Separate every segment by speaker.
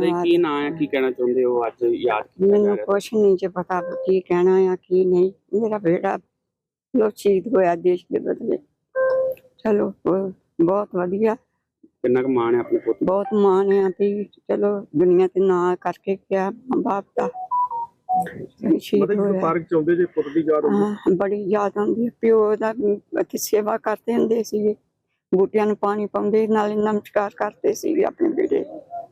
Speaker 1: ਦਾ ਕੀ ਨਾਂ ਹੈ, ਕੀ ਕਹਿਣਾ ਚਾਹੁੰਦੇ ਹੋ ਅੱਜ ਯਾਦ ਕੀਤਾ ਜਾ
Speaker 2: ਮੈਨੂੰ
Speaker 1: ਰਿਹਾ?
Speaker 2: ਕੁਛ ਨਹੀਂ ਜੇ ਪਤਾ ਕੀ ਕਹਿਣਾ ਆ ਕੀ ਨਹੀਂ। ਮੇਰਾ ਬੇਟਾ ਲੋ ਸ਼ਹੀਦ ਹੋਇਆ ਦੇਸ਼ ਦੇ ਬਦਲੇ। ਚਲੋ ਬਹੁਤ ਵਧੀਆ,
Speaker 1: ਕਿੰਨਾ ਕੁ ਮਾਣ ਹੈ ਆਪਣੇ ਪੁੱਤ ਤੇ?
Speaker 2: ਬਹੁਤ ਮਾਣ ਆ ਵੀ ਚਲੋ ਦੁਨੀਆ ਤੇ ਨਾਂ ਕਰਕੇ ਗਿਆ ਮਾਂ ਬਾਪ ਦਾ। ਸ਼ਹੀਦ
Speaker 3: ਮਤਲਬ
Speaker 2: ਹੋਇਆ।
Speaker 3: ਪਾਰਕ ਚ ਆਉਂਦੇ ਜੇ ਪੁੱਤ ਦੀ ਯਾਦ ਆਉਂਦੀ?
Speaker 2: ਹਾਂ, ਬੜੀ ਯਾਦ ਆਉਂਦੀ ਹੈ। ਪਿਓ ਦਾ ਇੱਥੇ ਸੇਵਾ ਕਰਦੇ ਹੁੰਦੇ ਸੀਗੇ, ਬੂਟਿਆਂ ਨੂੰ ਪਾਣੀ ਪਾਉਂਦੇ, ਨਾਲੇ ਨਮਸਕਾਰ ਕਰਦੇ ਸੀਗੇ ਆਪਣੇ ਬੇਟੇ।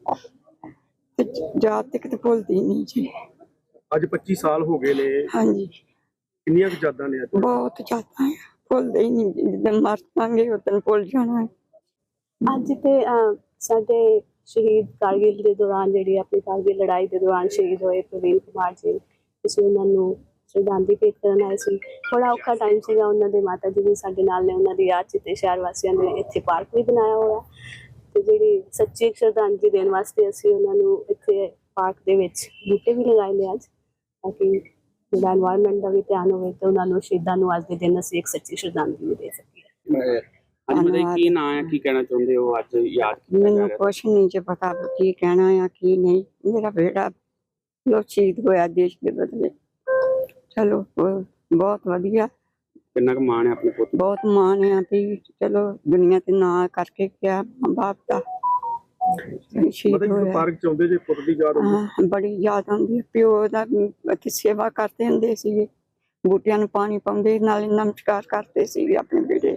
Speaker 2: ਤੇ ਯਾਦ ਤੇ ਕਿਤੇ ਭੁੱਲਦੀ ਨਹੀਂ ਜੀ।
Speaker 3: ਅੱਜ 25 ਸਾਲ ਹੋ ਗਏ ਨੇ,
Speaker 2: ਹਾਂਜੀ,
Speaker 3: ਕਿੰਨੀਆਂ ਕੁ ਯਾਦਾਂ ਨੇ ਅੱਜ?
Speaker 2: ਬਹੁਤ ਜ਼ਿਆਦਾ ਹੈ, ਭੁੱਲਦੇ ਹੀ ਨਹੀਂ। ਜਿੱਦਣ ਮਰ ਜਾਵਾਂਗੇ ਉਦੋਂ ਭੁੱਲ ਜਾਣਾ ਹੈ।
Speaker 4: ਅੱਜ ਤੇ ਸਾਡੇ ਸ਼ਹੀਦ ਕਾਰਗਿਲ ਦੇ ਦੌਰਾਨ, ਜਿਹੜੀ ਆਪਣੀ ਕਾਰਗਿਲ ਲੜਾਈ ਦੇ ਦੌਰਾਨ ਸ਼ਹੀਦ ਹੋਏ ਪ੍ਰਵੀਨ ਕੁਮਾਰ ਜੀ, ਅਸੀਂ ਉਹਨਾਂ ਨੂੰ ਸ਼ਰਧਾਂਜਲੀ ਭੇਟ ਕਰਨ ਆਏ ਸੀ। ਥੋੜਾ ਔਖਾ ਟਾਈਮ ਸੀਗਾ, ਉਹਨਾਂ ਦੇ ਮਾਤਾ ਜੀ ਵੀ ਸਾਡੇ ਨਾਲ ਨੇ, ਉਹਨਾਂ ਦੀ ਯਾਦ 'ਚ ਤੇ ਸ਼ਹਿਰ ਵਾਸੀਆਂ ਨੇ ਇੱਥੇ ਪਾਰਕ ਵੀ ਬਣਾਇਆ ਹੋਇਆ, ਤੇ ਜਿਹੜੀ ਸੱਚੀ ਸ਼ਰਧਾਂਜਲੀ ਦੇਣ ਵਾਸਤੇ ਅਸੀਂ ਉਹਨਾਂ ਨੂੰ ਇੱਥੇ ਪਾਰਕ ਦੇ ਵਿੱਚ ਬੂਟੇ ਵੀ ਲਗਾਏ ਨੇ ਅੱਜ, ਤਾਂ ਕਿ ਜਿਹੜਾ ਐਨਵਾਇਰਨਮੈਂਟ ਦਾ ਵੀ ਧਿਆਨ ਹੋਵੇ ਤੇ ਉਹਨਾਂ ਨੂੰ ਸ਼ਹੀਦਾਂ ਨੂੰ ਅੱਜ ਦੇ ਦਿਨ ਅਸੀਂ ਇੱਕ ਸੱਚੀ ਸ਼ਰਧਾਂਜਲੀ ਵੀ ਦੇ ਸਕੀਏ।
Speaker 1: ਅੱਜ ਦਾ ਕੀ ਨਾਂ ਹੈ, ਕੀ ਕਹਿਣਾ ਚਾਹੁੰਦੇ ਹੋ ਅੱਜ ਯਾਦ ਕੀਤਾ ਜਾ
Speaker 2: ਮੈਨੂੰ
Speaker 1: ਰਿਹਾ?
Speaker 2: ਕੁਛ ਨਹੀਂ ਜੇ ਪਤਾ ਕੀ ਕਹਿਣਾ ਆ ਕੀ ਨਹੀਂ। ਮੇਰਾ ਬੇਟਾ ਲੋ ਸ਼ਹੀਦ ਹੋਇਆ ਦੇਸ਼ ਦੇ ਬਦਲੇ। ਚਲੋ ਬਹੁਤ ਵਧੀਆ,
Speaker 1: ਕਿੰਨਾ ਕੁ ਮਾਣ ਹੈ ਆਪਣੇ ਪੁੱਤ ਤੇ?
Speaker 2: ਬਹੁਤ ਮਾਣ ਆ ਵੀ ਚਲੋ ਦੁਨੀਆ ਤੇ ਨਾਂ ਕਰਕੇ ਗਿਆ ਮਾਂ ਬਾਪ ਦਾ। ਸ਼ਹੀਦ
Speaker 3: ਮਤਲਬ
Speaker 2: ਹੋਇਆ।
Speaker 3: ਪਾਰਕ ਚ ਆਉਂਦੇ ਜੇ ਪੁੱਤ ਦੀ ਯਾਦ ਆਉਂਦੀ?
Speaker 2: ਹਾਂ, ਬੜੀ ਯਾਦ ਆਉਂਦੀ ਹੈ। ਪਿਓ ਦਾ ਇੱਥੇ ਸੇਵਾ ਕਰਦੇ ਹੁੰਦੇ ਸੀਗੇ, ਬੂਟਿਆਂ ਨੂੰ ਪਾਣੀ ਪਾਉਂਦੇ, ਨਾਲੇ ਨਮਸਕਾਰ ਕਰਦੇ ਸੀਗੇ ਆਪਣੇ ਬੇਟੇ।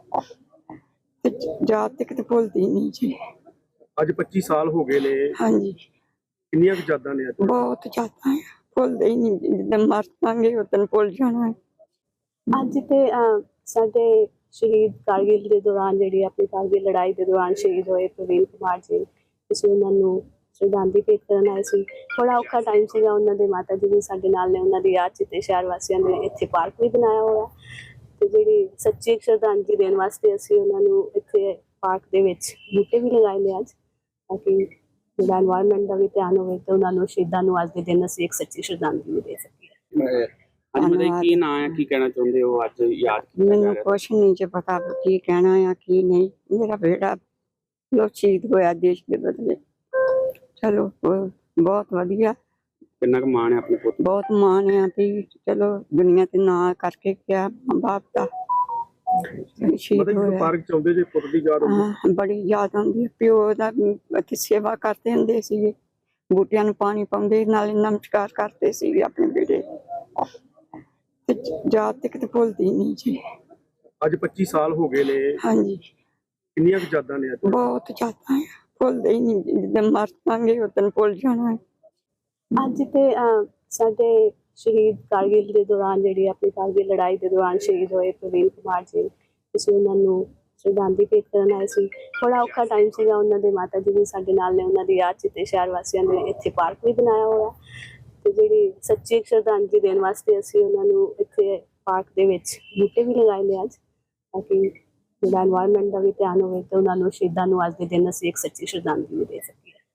Speaker 2: ਤੇ ਯਾਦ ਤੇ ਕਿਤੇ ਭੁੱਲਦੀ ਨਹੀਂ ਜੀ।
Speaker 3: ਅੱਜ 25 ਸਾਲ ਹੋ ਗਏ ਨੇ,
Speaker 2: ਹਾਂਜੀ,
Speaker 3: ਕਿੰਨੀਆਂ ਕੁ ਯਾਦਾਂ ਨੇ ਅੱਜ?
Speaker 2: ਬਹੁਤ ਜ਼ਿਆਦਾ ਹੈ, ਭੁੱਲਦੇ ਹੀ ਨਹੀਂ। ਜਿੱਦਣ ਮਰ ਜਾਵਾਂਗੇ ਉਦੋਂ ਭੁੱਲ ਜਾਣਾ ਹੈ।
Speaker 4: ਅੱਜ ਤੇ ਸਾਡੇ ਸ਼ਹੀਦ ਕਾਰਗਿਲ ਦੇ ਦੌਰਾਨ, ਜਿਹੜੀ ਆਪਣੀ ਕਾਰਗਿਲ ਲੜਾਈ ਦੇ ਦੌਰਾਨ ਸ਼ਹੀਦ ਹੋਏ ਪ੍ਰਵੀਨ ਕੁਮਾਰ ਜੀ, ਅਸੀਂ ਉਹਨਾਂ ਨੂੰ ਸ਼ਰਧਾਂਜਲੀ ਭੇਟ ਕਰਨ ਆਏ ਸੀ। ਥੋੜਾ ਔਖਾ ਟਾਈਮ ਸੀਗਾ, ਉਹਨਾਂ ਦੇ ਮਾਤਾ ਜੀ ਵੀ ਸਾਡੇ ਨਾਲ ਨੇ, ਉਹਨਾਂ ਦੀ ਯਾਦ 'ਚ ਤੇ ਸ਼ਹਿਰ ਵਾਸੀਆਂ ਨੇ ਇੱਥੇ ਪਾਰਕ ਵੀ ਬਣਾਇਆ ਹੋਇਆ, ਤੇ ਜਿਹੜੀ ਸੱਚੀ ਸ਼ਰਧਾਂਜਲੀ ਦੇਣ ਵਾਸਤੇ ਅਸੀਂ ਉਹਨਾਂ ਨੂੰ ਇੱਥੇ ਪਾਰਕ ਦੇ ਵਿੱਚ ਬੂਟੇ ਵੀ ਲਗਾਏ ਨੇ ਅੱਜ, ਤਾਂ ਕਿ ਜਿਹੜਾ ਐਨਵਾਇਰਨਮੈਂਟ ਦਾ ਵੀ ਧਿਆਨ ਹੋਵੇ ਤੇ ਉਹਨਾਂ ਨੂੰ ਸ਼ਹੀਦਾਂ ਨੂੰ ਅੱਜ ਦੇ ਦਿਨ ਅਸੀਂ ਇੱਕ ਸੱਚੀ ਸ਼ਰਧਾਂਜਲੀ ਵੀ ਦੇ ਸਕੀਏ।
Speaker 1: ਅੱਜ ਦਾ ਕੀ ਨਾਂ ਹੈ, ਕੀ ਕਹਿਣਾ ਚਾਹੁੰਦੇ ਹੋ ਅੱਜ ਯਾਦ ਕੀਤਾ ਜਾ
Speaker 2: ਮੈਨੂੰ
Speaker 1: ਰਿਹਾ?
Speaker 2: ਕੁਛ ਨਹੀਂ ਜੇ ਪਤਾ ਕੀ ਕਹਿਣਾ ਆ ਕੀ ਨਹੀਂ। ਮੇਰਾ ਬੇਟਾ ਲੋ ਸ਼ਹੀਦ ਹੋਇਆ ਦੇਸ਼ ਦੇ ਬਦਲੇ। ਚਲੋ ਬਹੁਤ ਵਧੀਆ,
Speaker 1: ਕਿੰਨਾ ਕੁ ਮਾਣ ਹੈ ਆਪਣੇ ਪੁੱਤ ਤੇ?
Speaker 2: ਬਹੁਤ ਮਾਣ ਆ ਵੀ ਚਲੋ ਦੁਨੀਆ ਤੇ ਨਾਂ ਕਰਕੇ ਗਿਆ ਮਾਂ ਬਾਪ ਦਾ। ਸ਼ਹੀਦ
Speaker 3: ਮਤਲਬ
Speaker 2: ਹੋਇਆ।
Speaker 3: ਪਾਰਕ ਚ ਆਉਂਦੇ ਜੇ ਪੁੱਤ ਦੀ ਯਾਦ ਆਉਂਦੀ?
Speaker 2: ਹਾਂ, ਬੜੀ ਯਾਦ ਆਉਂਦੀ ਹੈ। ਪਿਓ ਦਾ ਇੱਥੇ ਸੇਵਾ ਕਰਦੇ ਹੁੰਦੇ ਸੀਗੇ, ਬੂਟਿਆਂ ਨੂੰ ਪਾਣੀ ਪਾਉਂਦੇ, ਨਾਲੇ ਨਮਸਕਾਰ ਕਰਦੇ ਸੀਗੇ ਆਪਣੇ ਬੇਟੇ। ਤੇ ਯਾਦ ਤੇ ਕਿਤੇ ਭੁੱਲਦੀ ਨਹੀਂ ਜੀ।
Speaker 3: ਅੱਜ 25 ਸਾਲ ਹੋ ਗਏ ਨੇ,
Speaker 2: ਹਾਂਜੀ,
Speaker 3: ਕਿੰਨੀਆਂ ਕੁ ਯਾਦਾਂ ਨੇ ਅੱਜ?
Speaker 2: ਬਹੁਤ ਜ਼ਿਆਦਾ ਹੈ, ਭੁੱਲਦੇ ਹੀ ਨਹੀਂ। ਜਿੱਦਣ ਮਰ ਜਾਵਾਂਗੇ ਉਦੋਂ ਭੁੱਲ ਜਾਣਾ ਹੈ।
Speaker 4: ਅੱਜ ਤੇ ਸਾਡੇ ਸ਼ਹੀਦ ਕਾਰਗਿਲ ਦੇ ਦੌਰਾਨ, ਜਿਹੜੀ ਆਪਣੀ ਕਾਰਗਿਲ ਲੜਾਈ ਦੇ ਦੌਰਾਨ ਸ਼ਹੀਦ ਹੋਏ ਪ੍ਰਵੀਨ ਕੁਮਾਰ ਜੀ, ਅਸੀਂ ਉਹਨਾਂ ਨੂੰ ਸ਼ਰਧਾਂਜਲੀ ਭੇਟ ਕਰਨ ਆਏ ਸੀ। ਥੋੜਾ ਔਖਾ ਟਾਈਮ ਸੀਗਾ, ਉਹਨਾਂ ਦੇ ਮਾਤਾ ਜੀ ਵੀ ਸਾਡੇ ਨਾਲ ਨੇ, ਉਹਨਾਂ ਦੀ ਯਾਦ 'ਚ ਤੇ ਸ਼ਹਿਰ ਵਾਸੀਆਂ ਨੇ ਇੱਥੇ ਪਾਰਕ ਵੀ ਬਣਾਇਆ ਹੋਇਆ, ਤੇ ਜਿਹੜੀ ਸੱਚੀ ਸ਼ਰਧਾਂਜਲੀ ਦੇਣ ਵਾਸਤੇ ਅਸੀਂ ਉਹਨਾਂ ਨੂੰ ਇੱਥੇ ਪਾਰਕ ਦੇ ਵਿੱਚ ਬੂਟੇ ਵੀ ਲਗਾਏ ਨੇ ਅੱਜ, ਤਾਂ ਕਿ ਜਿਹੜਾ ਐਨਵਾਇਰਨਮੈਂਟ ਦਾ ਵੀ ਧਿਆਨ ਹੋਵੇ ਤੇ ਉਹਨਾਂ ਨੂੰ ਸ਼ਹੀਦਾਂ ਨੂੰ ਅੱਜ ਦੇ ਦਿਨ ਅਸੀਂ ਇੱਕ ਸੱਚੀ ਸ਼ਰਧਾਂਜਲੀ ਵੀ ਦੇ ਸਕੀਏ।